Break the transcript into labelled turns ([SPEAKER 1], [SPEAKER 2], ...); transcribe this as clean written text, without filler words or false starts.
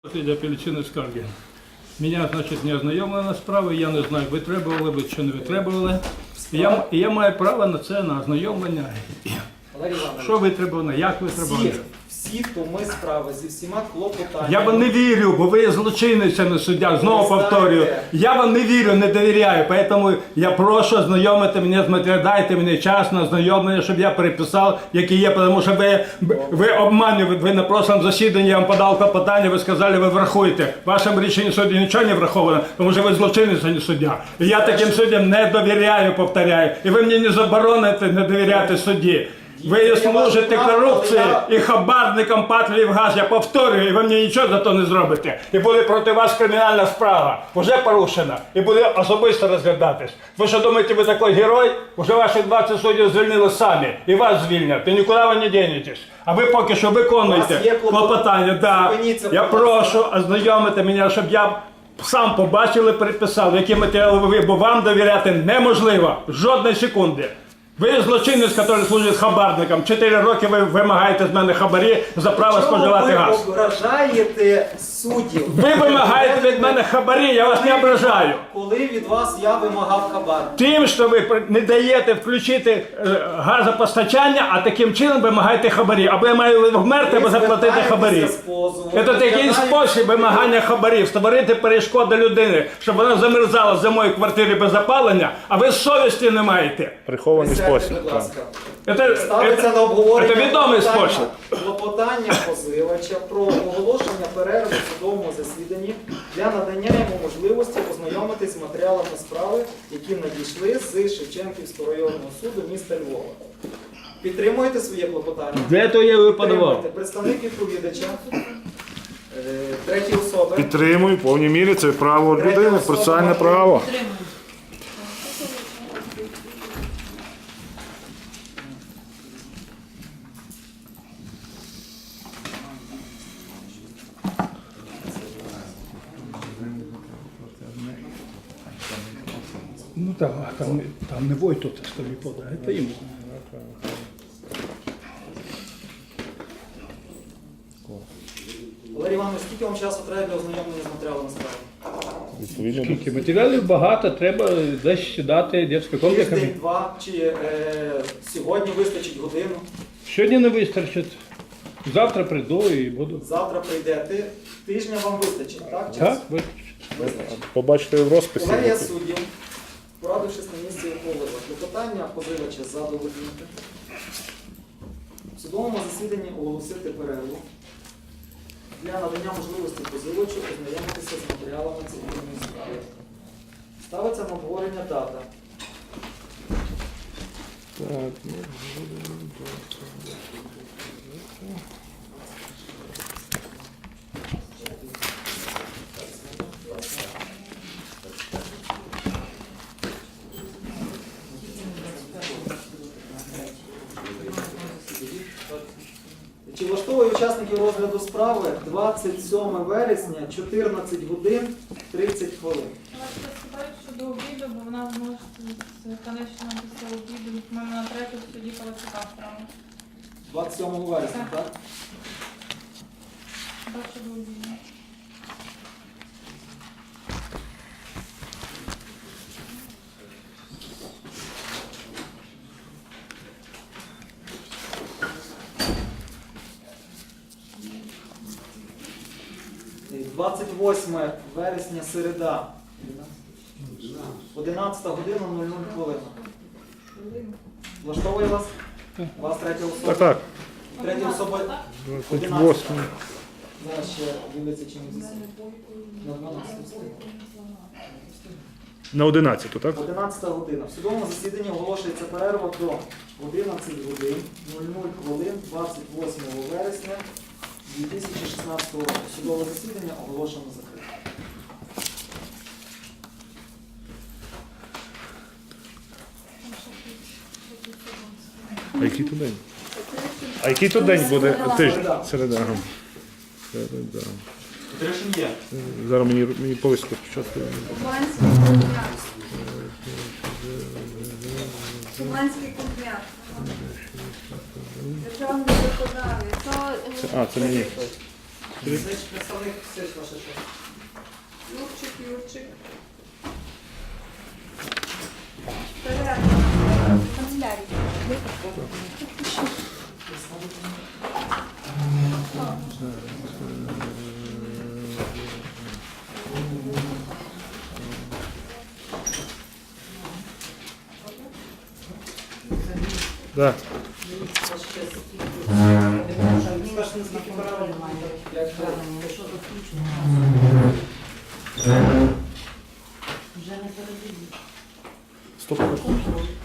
[SPEAKER 1] Для апеляційної скарги. Мене, значить, не ознайомлена справа, я не знаю, витребували ви чи не витребували. І я маю право на це, на ознайомлення. Що витребувано, як витребувано?
[SPEAKER 2] Всі томи справи зі всіма клопотаннями.
[SPEAKER 1] Я вам не вірю, бо ви злочинець, а не суддя. Знову повторюю. Я вам не вірю, не довіряю. Тому я прошу ознайомити мене з матеріалом, дайте мені час на ознайомлення, щоб я переписав, які є. Тому що ви обманюєте, ви на прошлому засіданні, я вам подав клопотання, ви сказали, ви врахуєте. В вашому рішенні суду нічого не враховано, тому що ви злочинець, а не суддя. І я таким суддям не довіряю, повторяю. І ви мені не забороните не довіряти судді. Ви служите корупції і хабарникам ПАТ «Львівгаз», я повторюю, і ви мені нічого за то не зробите. І буде проти вас кримінальна справа, вже порушена, і буде особисто розглядатись. Ви що думаєте, ви такий герой? Уже ваші 20 суддів звільнили самі, і вас звільнять, і нікуди ви не дінетесь. А ви поки що виконуєте клопотання. Да. Я прошу ознайомити мене, щоб я сам побачив і переписав, які матеріали ви, бо вам довіряти неможливо, жодної секунди. Ви злочинець, який служить хабарникам. 4 роки ви вимагаєте з мене хабарі за право споживати газ.
[SPEAKER 2] Ви ображаєте суддів.
[SPEAKER 1] Ви вимагаєте від мене хабарі, я вас не ображаю.
[SPEAKER 2] Коли від вас я вимагав хабар?
[SPEAKER 1] Тим, що ви не даєте включити газопостачання, а таким чином вимагаєте хабарі. Або я маю вмерти, або заплатити хабарі. Це такий спосіб вимагання хабарів. Створити перешкоди людини, щоб вона замерзала зимою в квартирі без опалення, а ви совісті не маєте.
[SPEAKER 3] Прихований спосіб.
[SPEAKER 2] Будь ласка.
[SPEAKER 1] Це відомий спосіб.
[SPEAKER 2] Клопотання позивача про оголошення перерви в судовому засіданні для надання йому можливості ознайомитись з матеріалами справи, які надійшли з Шевченківського районного суду міста Львова. Підтримуєте своє клопотання?
[SPEAKER 1] Для того я його подавав.
[SPEAKER 2] Підтримуєте. Представник відповідача, треті особи.
[SPEAKER 3] Підтримую, в повній мірі це право людини, процесуальне право.
[SPEAKER 1] Ну там не вой тут тобі подає, це йому.
[SPEAKER 2] Валерій Іванович, скільки вам часу треба для ознайомлення з матеріалами справи?
[SPEAKER 3] Відповідно.
[SPEAKER 1] Скільки матеріалів багато, треба десь сідати дитячий комплекс.
[SPEAKER 2] Тиждень, два, чи сьогодні вистачить годину?
[SPEAKER 1] Сьогодні не вистачить. Завтра прийду і буду.
[SPEAKER 2] Завтра прийдете. Тижня вам вистачить, так?
[SPEAKER 1] Так, вистачить.
[SPEAKER 2] Вистачить.
[SPEAKER 3] Побачите в розписі.
[SPEAKER 2] Колегія суддів, порадившись на місці ухвалила клопотання позивача задовольнити. В судовому засіданні оголосити перерву для надання можливості позивачу ознайомитися з матеріалами цивільної справи. Ставиться на обговорення дата. Чи влаштовує учасників розгляду справи 27 вересня, 14 годин 30 хвилин?
[SPEAKER 4] Що до обіду, бо вона може конечно після обіду, ми на 3 в суді Палацюка справи.
[SPEAKER 2] 27 вересня, так?
[SPEAKER 4] Бачу до обіду.
[SPEAKER 2] І 28 вересня, середа. 11 година 00 хвилин. Влаштовує вас? Вас третя особа?
[SPEAKER 3] Так, так.
[SPEAKER 2] Третя особа 11.
[SPEAKER 3] 28.
[SPEAKER 2] Зараз ще дивиться, чим засідання. На 12 встиг.
[SPEAKER 3] На 11, так?
[SPEAKER 2] 11 година. В судовому засіданні оголошується перерва до 11 годин 00 хвилин 28 вересня 2016 року. Судове засідання оголошено закрите.
[SPEAKER 3] А який то день? А який то день буде? Тиждень. Середа. Ага. Середа. Зараз мені повістку спочатку.
[SPEAKER 5] Шуманський конвент. Державний виконавець.
[SPEAKER 3] Це мені.
[SPEAKER 2] Представник Сич, ваша честь.
[SPEAKER 5] Юрчик. Перерва. Канцелярія.
[SPEAKER 3] Да.
[SPEAKER 2] Ваша честь. Скажете, наскільки перерва? Як
[SPEAKER 3] Стоп.